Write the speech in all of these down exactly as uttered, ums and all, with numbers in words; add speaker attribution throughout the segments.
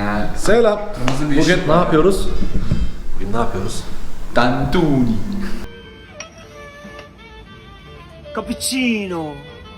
Speaker 1: Ha.
Speaker 2: Selam. Bugün ne yapıyoruz?
Speaker 3: Bugün ne yapıyoruz?
Speaker 1: Tantuni.
Speaker 4: Cappuccino.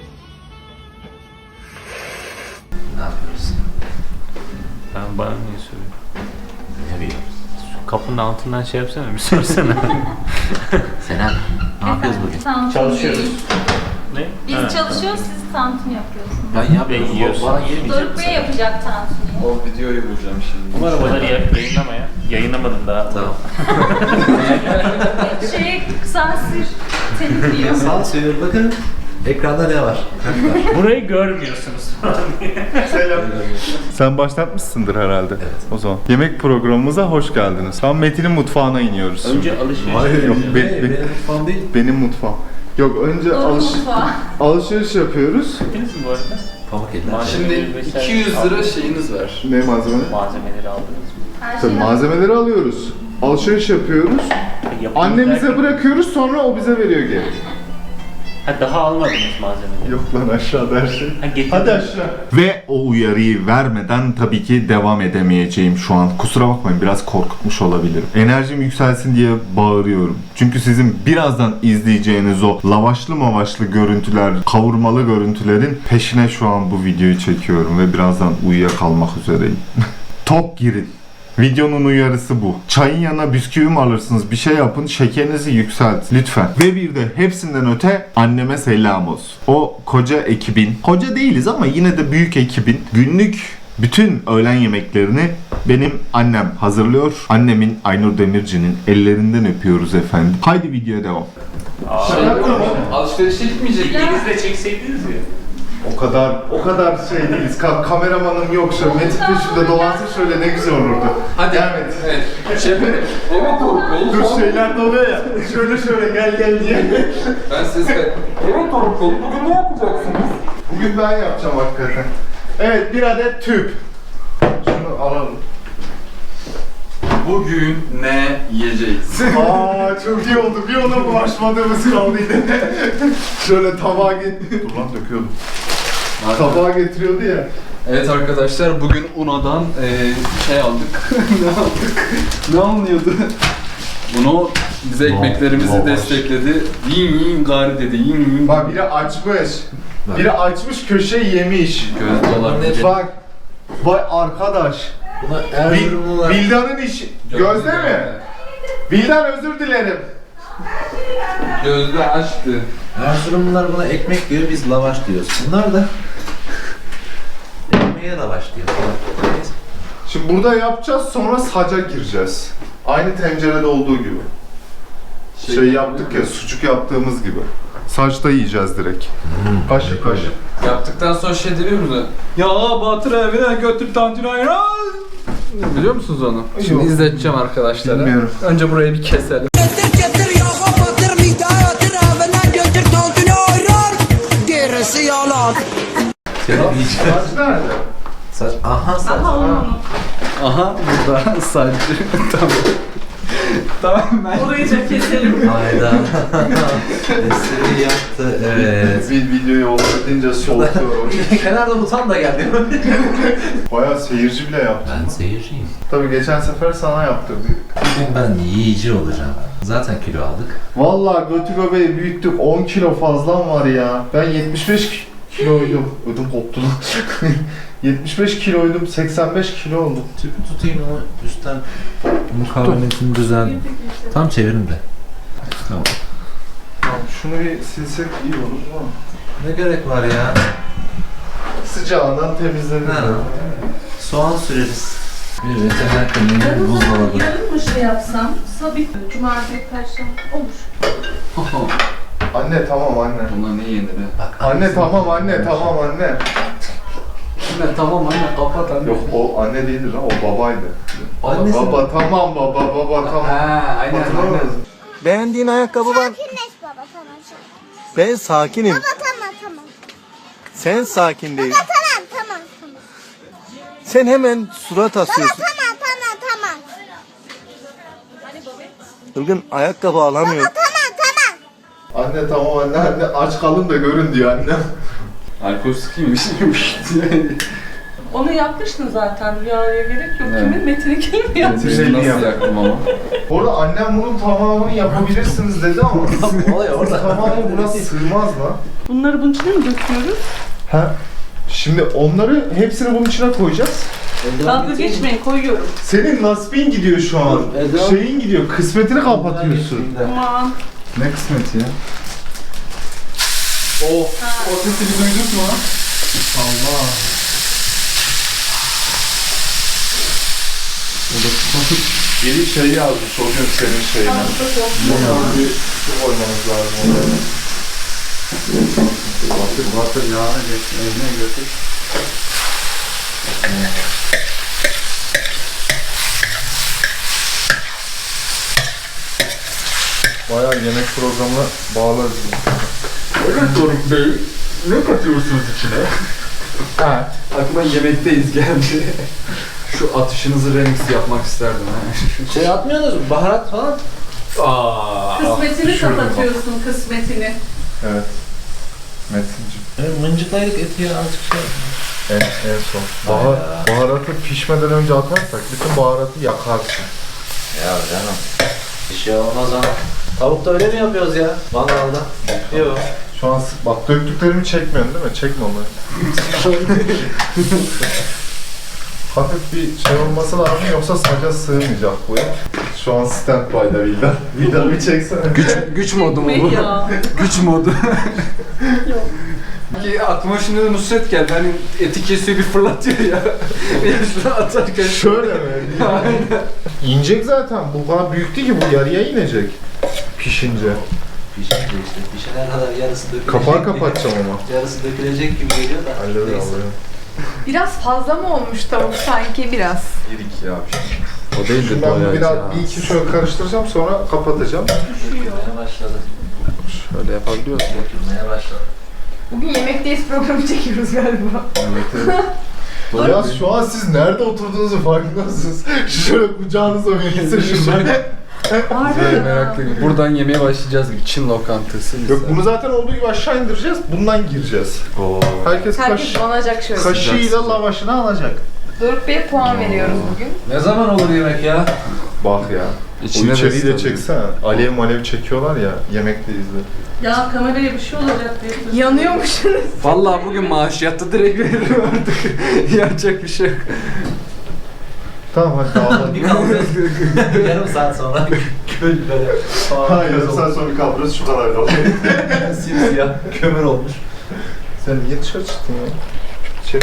Speaker 3: Ne yapıyoruz?
Speaker 5: Ben bana niye söylüyorum?
Speaker 3: Ne biliyoruz?
Speaker 5: Şu kapının altından şey yapsana bir sorsana.
Speaker 3: Senem, ne yapıyoruz bugün?
Speaker 6: Tantuni.
Speaker 5: Çalışıyoruz. Ne?
Speaker 6: Biz
Speaker 5: Ha,
Speaker 6: çalışıyoruz, siz tantuni yapıyorsunuz.
Speaker 3: Ben yapmıyorum.
Speaker 5: Ben yiyorsun.
Speaker 3: Bana girmeyecek
Speaker 6: Doruk Bey yapacak tantuni.
Speaker 1: O videoyu bulacağım şimdi.
Speaker 5: Umarım onları yap, yayınlama ya. Yayınlamadım daha.
Speaker 3: Tamam.
Speaker 6: Şey, sansür temizliyor.
Speaker 3: Sansür, bakın. Ekranda ne var?
Speaker 5: Burayı görmüyorsunuz.
Speaker 2: Sen başlatmışsındır herhalde.
Speaker 3: Evet.
Speaker 2: O zaman. Yemek programımıza hoş geldiniz. Tam Metin'in mutfağına iniyoruz.
Speaker 5: Önce alışveriş.
Speaker 2: Hayır yok. Be-
Speaker 3: Ne?
Speaker 2: be-
Speaker 3: Benim mutfağım değil.
Speaker 2: benim mutfağım. Yok önce
Speaker 6: Doruk
Speaker 2: alış
Speaker 6: mutfağı.
Speaker 2: alışveriş yapıyoruz.
Speaker 5: Gittiniz mi bu arada?
Speaker 3: Pamuk eller.
Speaker 5: Malzeme-
Speaker 1: Şimdi iki yüz lira şeyiniz var.
Speaker 2: Ne malzeme?
Speaker 5: Malzemeleri aldınız mı?
Speaker 6: Her
Speaker 2: Tabii
Speaker 6: şey
Speaker 2: malzemeleri alıyoruz. Alışveriş yapıyoruz.
Speaker 5: Yapımı
Speaker 2: Annemize
Speaker 5: derken-
Speaker 2: bırakıyoruz, sonra o bize veriyor geri.
Speaker 5: Ha daha almadınız malzemeleri.
Speaker 2: Yok lan, aşağıda her şey.
Speaker 5: Ha getirdiniz.
Speaker 2: Hadi aşağı. Ve o uyarıyı vermeden tabii ki devam edemeyeceğim şu an. Kusura bakmayın, biraz korkutmuş olabilirim. Enerjim yükselsin diye bağırıyorum. Çünkü sizin birazdan izleyeceğiniz o lavaşlı mavaşlı görüntüler, kavurmalı görüntülerin peşine şu an bu videoyu çekiyorum ve birazdan uyuyakalmak üzereyim. Tok girin. Videonun uyarısı bu. Çayın yanına bisküvi mi alırsınız? Bir şey yapın, şekerinizi yükselt lütfen. Ve bir de hepsinden öte anneme selam olsun. O koca ekibin, koca değiliz ama yine de büyük ekibin günlük bütün öğlen yemeklerini benim annem hazırlıyor. Annemin, Aynur Demirci'nin ellerinden öpüyoruz efendim. Haydi videoya devam.
Speaker 1: Şey, alışverişe gitmeyecek miyiz?
Speaker 5: İkiniz de çekseydiniz ya.
Speaker 2: O kadar, o kadar şey değiliz. Ka- kameramanım yok şöyle. Metin peşinde dolansın şöyle, ne güzel olurdu.
Speaker 1: Hadi.
Speaker 2: Devam et.
Speaker 1: Evet. Şey yapalım. Evet Doruk Bey.
Speaker 2: Dur, şeyler doluyor ya. Şöyle şöyle gel gel diye.
Speaker 1: Ben ses ver. Evet Doruk Bey. Bugün ne yapacaksınız?
Speaker 2: Bugün ben yapacağım hakikaten. Evet, bir adet tüp. Şunu alalım.
Speaker 1: Bugün ne yiyeceğiz?
Speaker 2: Aa, çok iyi oldu. Bir ona bulaşmadığımız kaldıydı. Şöyle tabağa get... Dur lan, döküyordum. Tabağa getiriyordu ya.
Speaker 1: Evet arkadaşlar, bugün Una'dan eee şey aldık. Ne aldık? Ne alınıyordu? Bunu bize ekmeklerimizi
Speaker 2: lavaş.
Speaker 1: destekledi. Yiyin yiyin gari dedi. Yiyin yiyin.
Speaker 2: Bak, biri açmış. Biri açmış, köşeyi yemiş.
Speaker 1: Göz dolar.
Speaker 3: Ne?
Speaker 2: Bak. Vay arkadaş.
Speaker 3: Buna
Speaker 2: Bil,
Speaker 3: Erzurumlular...
Speaker 2: Vildan'ın işi... Gözde mi? Vildan, özür dilerim.
Speaker 1: Gözde açtı.
Speaker 3: Erzurumlular buna ekmek diyor, biz lavaş diyoruz. Bunlar da... ekmeğe lavaş diyor. Neyse.
Speaker 2: Şimdi burada yapacağız, sonra saca gireceğiz. Aynı tencerede olduğu gibi. Şey,
Speaker 1: Şey
Speaker 2: yaptık ya, sucuk yaptığımız gibi. Saçta yiyeceğiz direkt. Kaşık kaşık.
Speaker 1: Yaptıktan sonra şey demiyor musun? Ya Batır evine götür tantuni ayran. Biliyor musunuz onu? Şimdi
Speaker 2: Yok.
Speaker 1: izleteceğim arkadaşlara.
Speaker 2: Bilmiyorum.
Speaker 1: Önce burayı bir keselim.
Speaker 4: Getir getir yağa batır mideye atır evine götür tantuni ayran. Gerisi yalan.
Speaker 3: Senin yiyeceğin...
Speaker 2: Saç nerede?
Speaker 3: Saç... Aha saç.
Speaker 6: Aha onu.
Speaker 1: Aha burada sadece. Tamam. Tamam ben.
Speaker 6: Orayı da keselim.
Speaker 3: Hayda. Eseri yaptı, evet.
Speaker 2: Bir videoyu olabildiğince soğutuyorum.
Speaker 3: Kenarda utan da geldi.
Speaker 2: Bayağı seyirci bile yaptı.
Speaker 3: Ben seyirciyim.
Speaker 2: Tabii geçen sefer sana yaptırdık.
Speaker 3: Bugün ben yiyici olacağım. Zaten kilo aldık.
Speaker 2: Vallahi götü göbeği büyüttük, on kilo fazlam var ya. Ben yetmiş beş kiloydum. Ödüm koptu lan. yetmiş beş kiloydum, seksen beş kilo oldum.
Speaker 3: Tüpü tutayım ama üstten mukavemetini düzen. Tam çevirin de. Tamam.
Speaker 2: Tamam, şunu bir silsek iyi olur ama.
Speaker 3: Ne gerek var ya?
Speaker 2: Sıcağından temizlenir.
Speaker 3: Ha. Soğan süreriz. Bir veteriner kliniğinin buzdolabı.
Speaker 6: Yarın mı şey yapsam? Sabit. Cumartesi perşembe olur.
Speaker 2: Anne tamam anne.
Speaker 1: Buna ne yenir be?
Speaker 3: Bak,
Speaker 2: Anne tamam anne tamam anne.
Speaker 1: Anne tamam anne kapat anne.
Speaker 2: Yok, o anne değildir lan, o babaydı.
Speaker 3: Annesi mi?
Speaker 2: Baba tamam baba baba tamam.
Speaker 1: Ha aynen aynen.
Speaker 2: Hatırlamadın.
Speaker 4: Beğendiğin ayakkabı var.
Speaker 7: Sakinleş baba, tamam.
Speaker 4: Ben sakinim.
Speaker 7: Baba tamam tamam.
Speaker 4: Sen sakin değil.
Speaker 7: Baba tamam tamam tamam.
Speaker 4: Sen hemen surat
Speaker 7: Baba
Speaker 4: asıyorsun.
Speaker 7: tamam tamam tamam.
Speaker 4: Ilgın ayakkabı alamıyor.
Speaker 7: Baba tamam tamam.
Speaker 2: Anne tamam anne anne, aç kalın da görün diyor anne.
Speaker 1: Alkol sıkıymış.
Speaker 6: Onu yapmıştın zaten. Rüyaya gerek yok.
Speaker 1: Evet.
Speaker 6: Kimin? Metin'i kim yapmış?
Speaker 2: Metin'i
Speaker 1: Nasıl
Speaker 2: yap.
Speaker 1: yaktım ama?
Speaker 2: Orada annem bunun tamamını yapabilirsiniz dedi ama
Speaker 3: Olay orada.
Speaker 2: tamamı buna sığmaz lan.
Speaker 6: Bunları bunun içine mi döküyoruz?
Speaker 2: Ha? Şimdi onları hepsini bunun içine koyacağız.
Speaker 6: Dalga geçmeyin, koyuyorum.
Speaker 2: Senin nasibin gidiyor şu an.
Speaker 3: Dur, Eda.
Speaker 2: Şeyin gidiyor, kısmetini kapatıyorsun.
Speaker 6: Aman.
Speaker 1: Ne kısmet ya? Oh, o sesi bir duyduk mu? Allah.
Speaker 2: Biri şey yazmış o gün senin şeyine. Bunlar bir su koymamız lazım oraya.
Speaker 1: Batır batır yağını geç, eline götür.
Speaker 2: Bayağı yemek programına bağlarız.
Speaker 1: Evet Doruk Bey, ne katıyorsunuz içine?
Speaker 2: Ha.
Speaker 1: Aklıma yemekteyiz geldi. Şu atışınızı remix yapmak isterdim ha.
Speaker 3: Şey atmıyorsunuz mu? Baharat falan.
Speaker 1: Aa,
Speaker 6: Kısmetini
Speaker 1: şurada bak.
Speaker 6: kapatıyorsun, kısmetini.
Speaker 2: Evet. Metin'cim.
Speaker 3: Evet, mıncıklaydık eti ya azıcık şey.
Speaker 2: En, en son. Bahar, baharatı pişmeden önce atarsak bütün baharatı yakarsın.
Speaker 3: Ya canım. Bir şey olmaz ama. Tavukta öyle mi yapıyoruz ya? Mangalda. Yok.
Speaker 2: Şu an s- bak döktüklerimi çekmiyorsun değil mi? Çekme onları. Hafif bir şey olması lazım yoksa saca sığmayacak bu ya. Şu an standby'da Vildan. Vildan bir çeksene.
Speaker 1: Güç, güç modu mu bu?
Speaker 6: Gitmeyin ya.
Speaker 1: Güç modu.
Speaker 6: Yok.
Speaker 1: Ki aklıma şimdi de Nusret geldi. Hani eti kesiyor bir fırlatıyor ya. Bir şunu atarken.
Speaker 2: Şöyle mi? İnecek zaten. Bu kadar büyük değil ki, bu yarıya inecek. Pişince.
Speaker 3: Pişince işte. Pişene kadar yarısı dökülecek.
Speaker 2: Kapağı kapatacağım ama.
Speaker 3: Yarısı dökülecek gibi geliyor da.
Speaker 2: Halleder
Speaker 3: Neyse.
Speaker 2: alıyorum.
Speaker 8: Biraz fazla mı olmuş tavuk sanki biraz?
Speaker 2: Yedik ya.
Speaker 1: O değil
Speaker 2: Şimdi ben bunu biraz bir iki şöyle karıştıracağım sonra kapatacağım.
Speaker 3: Dökülmeye başladı.
Speaker 1: Şöyle yapabiliyorsun.
Speaker 3: Dökülmeye başladı.
Speaker 8: Bugün Yemekteyiz programı çekiyoruz galiba.
Speaker 2: Evet, evet. Ya şu an siz nerede oturduğunuzu farkında mısınız? Şöyle kucağınıza verirse şuradan.
Speaker 1: Güzel, meraklı gibi. Buradan yemeye başlayacağız gibi. Çin lokantası.
Speaker 2: Yok, bunu zaten olduğu gibi aşağı indireceğiz. Bundan gireceğiz.
Speaker 1: Oo.
Speaker 2: Herkes kaş,
Speaker 8: Herkes donacak şöyle.
Speaker 2: kaşığıyla lavaşını alacak.
Speaker 8: Doruk Bey'e puan veriyoruz bugün.
Speaker 3: Ne zaman olur yemek ya?
Speaker 2: Bak ya.
Speaker 1: İçine
Speaker 2: o içeriği de
Speaker 1: de
Speaker 2: çeksene. Alev malev çekiyorlar ya. Yemekteyiz de.
Speaker 6: Ya kameraya bir şey olacak diye.
Speaker 8: Yanıyormuşsunuz.
Speaker 1: Vallahi bugün maaş yattı, direkt veririm artık. Yapacak bir şey yok.
Speaker 2: Tamam hadi dağılalım.
Speaker 3: Bir kaldırırız. Yarım saat sonra köl böyle.
Speaker 2: Hayır sen sonra bir kaldırırız şu kadar kalır.
Speaker 3: Simsiyah kömür olmuş.
Speaker 2: Sen niye dışarı çıktın ya? İçeri.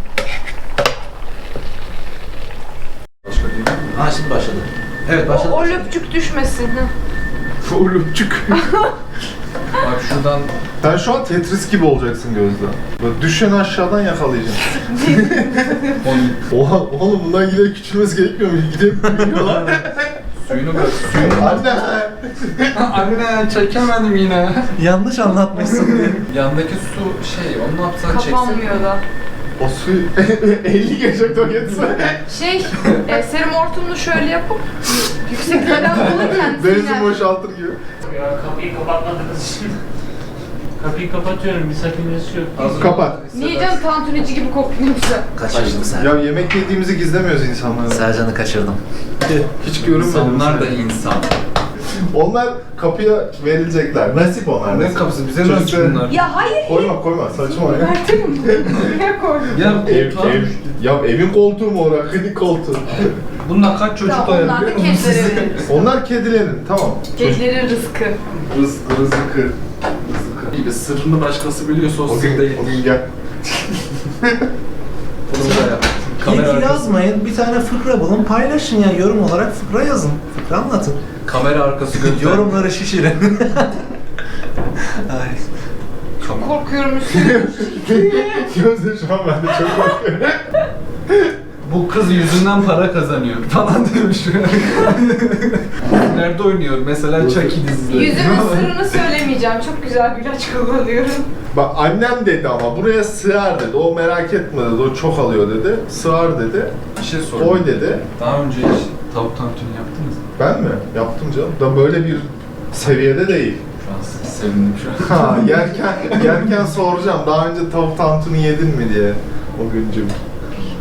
Speaker 2: Başka değil mi?
Speaker 3: Ha şimdi başladı. Evet başladı.
Speaker 8: O, o löpçük düşmesin. Hı.
Speaker 2: Oğlumcuk.
Speaker 1: Bak şuradan
Speaker 2: Sen şu an Tetris gibi olacaksın Gözde. Böyle düşeni aşağıdan yakalayacaksın. Oha oğlum bundan giderek küçülmesi gerekmiyor mu? Gidip büyüyorlar.
Speaker 1: suyunu bırak. Suyunu
Speaker 2: Anne!
Speaker 1: Anne çekemedim yine.
Speaker 3: Yanlış anlatmışsın diye.
Speaker 1: Yandaki su şey, onu ne yapsan çeksin.
Speaker 8: Kapanmıyor da.
Speaker 2: O suyu elli gelecek o geçse.
Speaker 8: Şey, e, serum hortumunu şöyle yapıp yükseklerden bulurken
Speaker 2: Benzin boşaltır gibi.
Speaker 5: Ya kapıyı kapatmadınız şimdi. Kapıyı kapatıyorum, bir sakıncası yok.
Speaker 2: Kapat.
Speaker 8: Niye canım tantunici gibi kokuyor güzel.
Speaker 3: Kaçırdım sen.
Speaker 2: Ya yemek yediğimizi gizlemiyoruz insanlara.
Speaker 3: Sercan'ı kaçırdım.
Speaker 2: Hiç görünmedim.
Speaker 1: İnsanlar da insan.
Speaker 2: Onlar kapıya verilecekler. Nasip onlar.
Speaker 1: Ne
Speaker 2: nasip.
Speaker 1: kapısı, bize
Speaker 2: Çocuk
Speaker 1: nasıl
Speaker 2: da-
Speaker 1: bunlar?
Speaker 8: Ya hayır.
Speaker 2: Koyma koyma saçma ya.
Speaker 8: Verdim. Buraya koydum.
Speaker 1: Ya
Speaker 2: Ev,
Speaker 1: koltuğa-
Speaker 2: ev, ya evin koltuğu mu orası? Klinik koltuğu.
Speaker 1: Bundan kaç çocuk
Speaker 8: Tamam,
Speaker 1: doyar
Speaker 8: onlar da
Speaker 1: biliyor musun?
Speaker 8: kedilere veririz.
Speaker 2: Onlar kedilerin tamam.
Speaker 8: Kedilerin rızkı.
Speaker 2: Rız, rızıkı.
Speaker 1: İyi be, sırrını başkası biliyorsa o
Speaker 2: O
Speaker 1: sır
Speaker 2: gün,
Speaker 1: değil.
Speaker 2: o gün gel.
Speaker 1: Bunu da yap. Kamera
Speaker 3: İlk
Speaker 1: arkası,
Speaker 3: yazmayın, bir tane fıkra bulun, paylaşın ya yorum olarak fıkra yazın. Fıkra anlatın.
Speaker 1: kamera arkası göster.
Speaker 3: Yorumları şişirin. Ay.
Speaker 1: Kamera.
Speaker 8: Korkuyorum üstüne.
Speaker 2: Gözde şu an ben de çok korkuyorum.
Speaker 1: Bu kız yüzünden para kazanıyor falan demiş. Nerede oynuyor? Mesela Chucky dizisi.
Speaker 8: Yüzümün sırrını söylemeyeceğim. Çok güzel bir ilaç kullanıyorum.
Speaker 2: Bak annem dedi ama buraya sığar dedi. O merak etme dedi. O çok alıyor dedi. Sığar dedi.
Speaker 1: Bir şey sorayım.
Speaker 2: Koy dedi.
Speaker 1: Daha önce hiç tavuk tantuni yaptınız mı?
Speaker 2: Ben mi? Yaptım canım. Da böyle bir seviyede değil.
Speaker 1: Şu an sevindim şu an.
Speaker 2: Ha yerken yerken soracağım. Daha önce tavuk tantuni yedin mi diye o güncüm.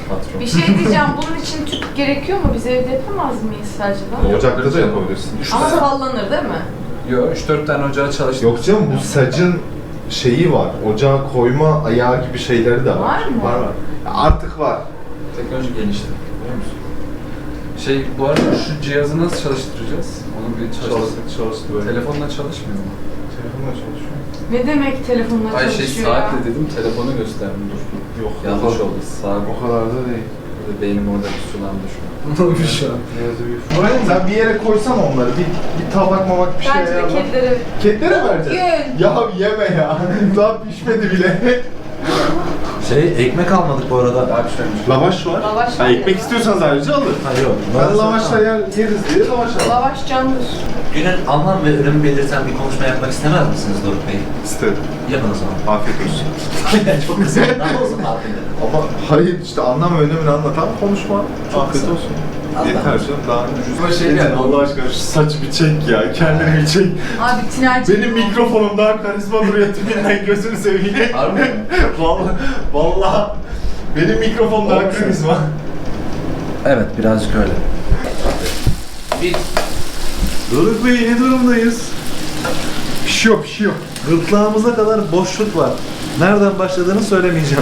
Speaker 3: patron.
Speaker 8: Bir şey diyeceğim, bunun için tüp gerekiyor mu? Biz evde yapamaz mıyız acaba?
Speaker 2: Ocakta da yapabilirsin.
Speaker 8: Ama sallanır değil mi?
Speaker 1: Yo üç dört tane ocağı çalıştı.
Speaker 2: Yok canım bu sacın şeyi var. Ocağa koyma ayağı gibi şeyleri de var.
Speaker 8: Var mı?
Speaker 2: Var var. Ya artık var.
Speaker 1: Teknoloji gelişti. Biliyor musun? Şey bu arada şu cihazı nasıl çalıştıracağız? Onu bir çalıştır.
Speaker 2: çalıştı böyle.
Speaker 1: Telefonla çalışmıyor mu?
Speaker 2: Telefonla çalışıyor.
Speaker 8: Ne demek telefonla
Speaker 1: Ay şey
Speaker 8: çalışıyor ya?
Speaker 1: saatle dedim telefonu gösterdim dur.
Speaker 2: Yok.
Speaker 1: Yanlış oldu. Saat.
Speaker 2: O kadar da değil.
Speaker 1: Beynim orada bir sulandı şu an. Ne olmuş şu an?
Speaker 2: Buraya sen bir yere koysan onları. Bir, bir tabak mamak bir şey
Speaker 8: Bence de
Speaker 2: ayarla.
Speaker 8: kedilere...
Speaker 2: Kedilere vereceğiz.
Speaker 8: Gün.
Speaker 2: Ya yeme ya. Daha pişmedi bile.
Speaker 3: Şey, ekmek almadık bu arada.
Speaker 1: Daha pişmemiş.
Speaker 2: Lavaş var.
Speaker 8: Lavaş
Speaker 2: Ha,
Speaker 8: var
Speaker 2: ekmek
Speaker 8: ya.
Speaker 2: istiyorsanız ayrıca alın.
Speaker 3: Ha yok.
Speaker 2: Ben lavaşla yer, yeriz diye lavaş aldım.
Speaker 8: Lavaş candır.
Speaker 3: Günün anlam ve ürün belirten bir konuşma yapmak istemez misiniz Doruk Bey?
Speaker 2: İstedim.
Speaker 3: Yapın o zaman.
Speaker 2: Afiyet olsun.
Speaker 3: Çok kısa. Daha olsun afiyet.
Speaker 2: Ama hayır işte anlam ve önemini anlatan konuşma. Afiyet
Speaker 3: kısa.
Speaker 2: olsun.
Speaker 3: Allah.
Speaker 2: Yeter canım daha ucuz.
Speaker 1: Ama şey
Speaker 2: Yeter,
Speaker 1: yani-
Speaker 2: Allah aşkına şu saç bir çek ya. Kendini bir çek.
Speaker 8: Abi tinerci.
Speaker 2: Benim mikrofonum daha karizma duruyor tipinden gözünü seveyim.
Speaker 1: Harbi mi?
Speaker 2: Vallahi, vallahi benim mikrofon daha
Speaker 3: Olsun.
Speaker 2: karizma.
Speaker 3: Evet, birazcık öyle. Bir
Speaker 2: Doruk Bey ne durumdayız? Şok şok.
Speaker 3: gırtlağımıza kadar boşluk var. Nereden başladığını söylemeyeceğim.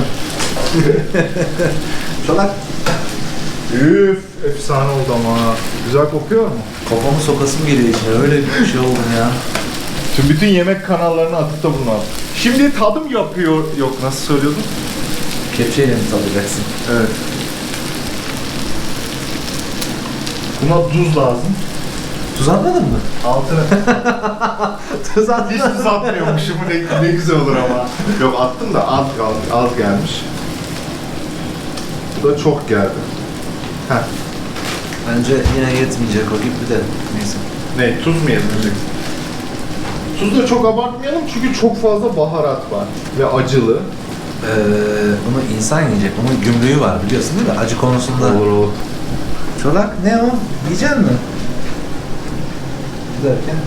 Speaker 3: Çolak.
Speaker 2: Üf, efsane oldu ama. Güzel kokuyor mu?
Speaker 3: Kafamı sokasım geliyor içine. Öyle bir şey oldu ya.
Speaker 2: Tüm bütün yemek kanallarına atıp da bunu at. Şimdi tadım yapıyor. Yok nasıl söylüyordun?
Speaker 3: Kepçeyle mi tadacaksın?
Speaker 2: Evet. Buna tuz lazım.
Speaker 3: Tuz atmadın mı?
Speaker 2: Altına.
Speaker 3: Tuz atmadın.
Speaker 2: Hiç tuz atmıyormuşum. Ne, ne güzel olur ama. Yok attım da az, az, az gelmiş. Bu da çok geldi. Heh.
Speaker 3: Bence yine yetmeyecek o gibi de. Neyse.
Speaker 2: Ne, tuz mu yedireceksin? Tuz da çok abartmayalım çünkü çok fazla baharat var ve acılı.
Speaker 3: Ee, bunu insan yiyecek. Bunun gümrüğü var biliyorsun değil mi? Acı konusunda.
Speaker 2: olur.
Speaker 3: Çolak ne o? Yiyecek mi? Derken?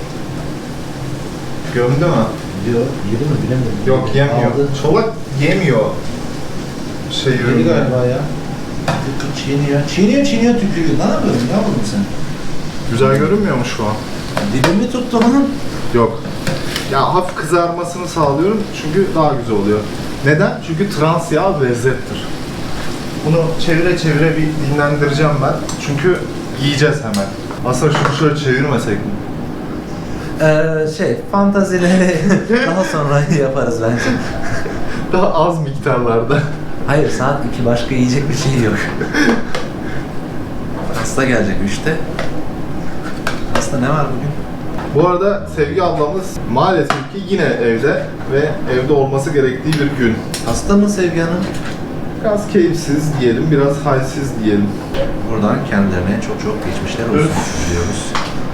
Speaker 2: Gömdü mü?
Speaker 3: Yok. Yedi mi bilemiyorum.
Speaker 2: Yok yemiyor.
Speaker 3: Aldı.
Speaker 2: Çolak yemiyor. Şey
Speaker 3: Yedi
Speaker 2: ürünü.
Speaker 3: galiba ya. Çiğniyor. Çiğniyor çiğniyor tükürüyor. Ne yapıyorsun? Ne yapıyorsun sen?
Speaker 2: Güzel görünmüyor mu şu an?
Speaker 3: Dibimi tuttu onun.
Speaker 2: Yok. Ya hafif kızarmasını sağlıyorum çünkü daha güzel oluyor. Neden? Çünkü trans yağ lezzettir. Bunu çevire çevire bir dinlendireceğim ben. Çünkü yiyeceğiz hemen. Aslında şunu şöyle çevirmesek mi?
Speaker 3: Ee, şey, fantazileri daha sonra yaparız bence.
Speaker 2: Daha az miktarlarda.
Speaker 3: Hayır, saat iki başka yiyecek bir şey yok. Hasta gelecek üçte. Hasta ne var bugün?
Speaker 2: Bu arada Sevgi ablamız maalesef ki yine evde ve evde olması gerektiği bir gün.
Speaker 3: Hasta mı Sevgi Hanım?
Speaker 2: Biraz keyifsiz diyelim, biraz halsiz diyelim.
Speaker 3: Buradan kendilerine çok çok geçmişler olsun
Speaker 2: Öf.
Speaker 3: diyoruz.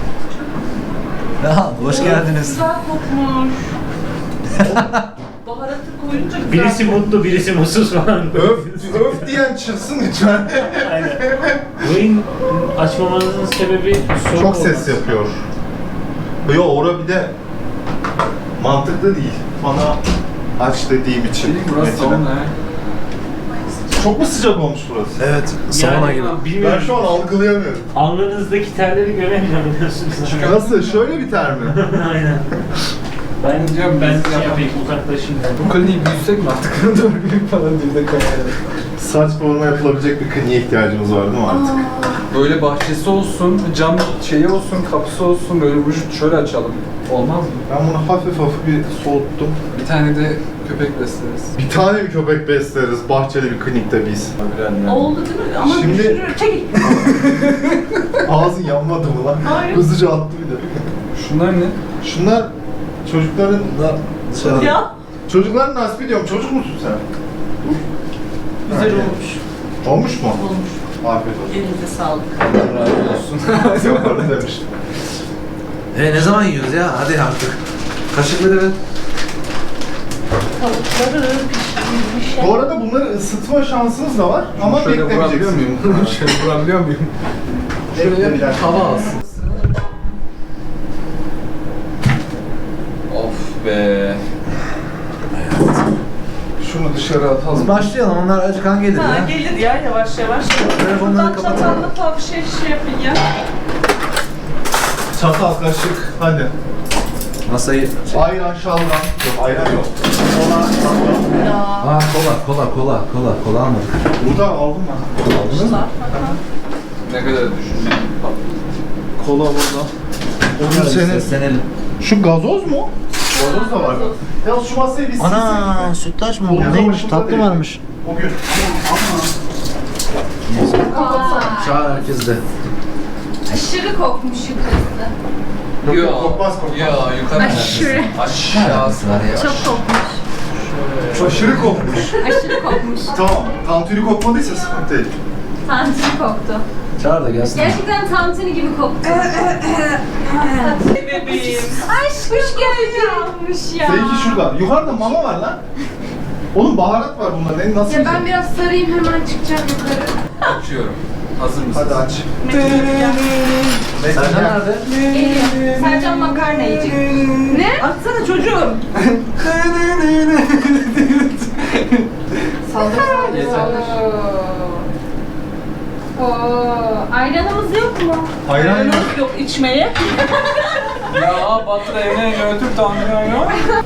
Speaker 3: Ya, hoş geldiniz.
Speaker 6: Güzel kokmuş. Baharatı koyunca güzel.
Speaker 5: Birisi mutlu, birisi mutsuz falan.
Speaker 2: Öf, öf diyen çıksın lütfen.
Speaker 5: Aynen. Yayın açmamanızın sebebi soğuk
Speaker 2: Çok ses
Speaker 5: olması.
Speaker 2: yapıyor. Yo, ora bir de mantıklı değil. Bana aç dediğim için.
Speaker 1: Şey, burası
Speaker 2: mesela.
Speaker 1: sauna ha.
Speaker 2: Çok mu sıcak olmuş burası?
Speaker 3: Evet, sauna gibi.
Speaker 2: Ben
Speaker 5: Bilmiyorum.
Speaker 2: şu an algılayamıyorum.
Speaker 5: Alnınızdaki terleri göremiyorum biliyorsunuz.
Speaker 2: Nasıl? Şöyle bir ter mi?
Speaker 5: Aynen. Ben
Speaker 1: Diyorum,
Speaker 5: ben
Speaker 1: biz
Speaker 5: şey
Speaker 1: yapalım.
Speaker 5: yapayım uzaklaşayım.
Speaker 1: Bu kliniği büyütsek mi artık? Doğru büyük falan diye de koyalım.
Speaker 2: Saç forma yapılabilecek bir kliniğe ihtiyacımız var değil mi artık?
Speaker 1: Böyle bahçesi olsun, cam şeyi olsun, kapısı olsun, böyle vücut şöyle açalım. Olmaz mı?
Speaker 2: Ben bunu hafif hafif bir soğuttum.
Speaker 1: Bir tane de köpek besleriz.
Speaker 2: Bir tane bir köpek besleriz bahçeli bir klinikte biz.
Speaker 6: Oldu değil mi? Ama
Speaker 2: Şimdi-
Speaker 6: düşürür. Çekil.
Speaker 2: Ağzın yanmadı mı lan?
Speaker 6: Hayır.
Speaker 2: Hızlıca attı bir de.
Speaker 1: Şunlar ne?
Speaker 2: Şunlar çocukların...
Speaker 3: Dışarı.
Speaker 6: Ya.
Speaker 2: Çocukların nasip ediyorum. Çocuk musun sen?
Speaker 6: Güzel
Speaker 2: Aynen.
Speaker 6: olmuş.
Speaker 2: Olmuş mu?
Speaker 6: Olmuş.
Speaker 2: Afiyet olsun.
Speaker 6: Elinize sağlık.
Speaker 1: Razı olsun.
Speaker 2: Yaparız demiş.
Speaker 3: E ne zaman yiyoruz ya? Hadi artık. Kaşıkları ver.
Speaker 6: Tavukları pişirmiş.
Speaker 2: Bu arada bunları ısıtma şansınız da var ama
Speaker 1: Şöyle vurabiliyor
Speaker 2: beklemeyeceksiniz.
Speaker 1: muyum? Şöyle vurabiliyor muyum? Şuraya bir hava alsın. Of be. şunu dışarı atalım.
Speaker 3: Biz başlayalım, onlar acıkan gelir
Speaker 6: Ha
Speaker 3: ya.
Speaker 6: gelir ya yavaş yavaş.
Speaker 3: Telefonları
Speaker 6: Buradan
Speaker 3: kapatalım.
Speaker 6: çatallıkla bir şey şey yapın ya.
Speaker 2: Çatal, kaşık, hadi.
Speaker 3: Masayı...
Speaker 2: Ayran, şalgam. Yok, ayran yok. Kola, şalgam.
Speaker 3: Aa kola, kola, kola, kola, kola almadık.
Speaker 2: Burada aldım ben. Aldınız mı?
Speaker 1: Ne kadar düşündün?
Speaker 2: Kola burada. Onun senin...
Speaker 3: Seslenelim.
Speaker 2: Şu gazoz mu? Gazoz da var. Ya şu masayı bir
Speaker 3: Ana sütlaç mı bu?
Speaker 2: Neymiş,
Speaker 3: Neymiş?
Speaker 2: tatlı
Speaker 3: Tatlı varmış.
Speaker 2: O gün.
Speaker 3: Çağır herkes de.
Speaker 8: Aşırı kokmuş yukarısı.
Speaker 2: Yok
Speaker 1: Ya,
Speaker 2: yok, kokmaz kokmaz.
Speaker 1: Ya yukarı.
Speaker 8: Aşırı.
Speaker 1: Aşağısı var ya.
Speaker 8: Çok kokmuş.
Speaker 2: Aşırı kokmuş.
Speaker 8: Aşırı kokmuş.
Speaker 2: Tamam. Tantuni kokmadıysa sıkıntı değil.
Speaker 8: Tantuni koktu.
Speaker 3: Çağır da gelsin.
Speaker 8: Gerçekten tantuni gibi koktu.
Speaker 6: Bebeğim.
Speaker 8: Aşk hoş geldin. Yanmış ya.
Speaker 2: Seninki şuradan. Yukarıda mama var lan. Oğlum baharat var bunda. Ne, nasıl
Speaker 8: Ya ben
Speaker 2: yiyeceksin?
Speaker 8: biraz sarayım hemen çıkacağım yukarı.
Speaker 1: Açıyorum. Hazır mısın?
Speaker 2: Hadi aç.
Speaker 3: Sercan nerede?
Speaker 8: Geliyor. Sercan makarna yiyecek. Ne?
Speaker 6: Atsana çocuğum.
Speaker 8: Saldır saldır
Speaker 1: Yeter.
Speaker 8: saldır. Oo, ayranımız yok mu?
Speaker 2: Ayran yok.
Speaker 6: Yok içmeye.
Speaker 1: Ya Batır evine götür Tanrı ya.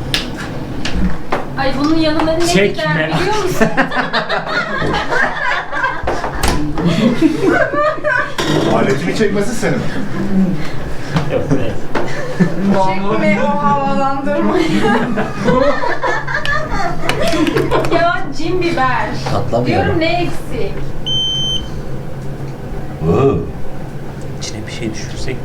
Speaker 8: Ay bunun yanında ne
Speaker 5: Çekme.
Speaker 8: gider biliyor musun?
Speaker 2: Aletini çekmesi senin.
Speaker 5: Yok be.
Speaker 8: Çekme o havalandırmayı. Ya cin biber.
Speaker 3: Patlamıyor.
Speaker 8: Diyorum ne eksik?
Speaker 3: Oo.
Speaker 5: İçine bir şey düşürsek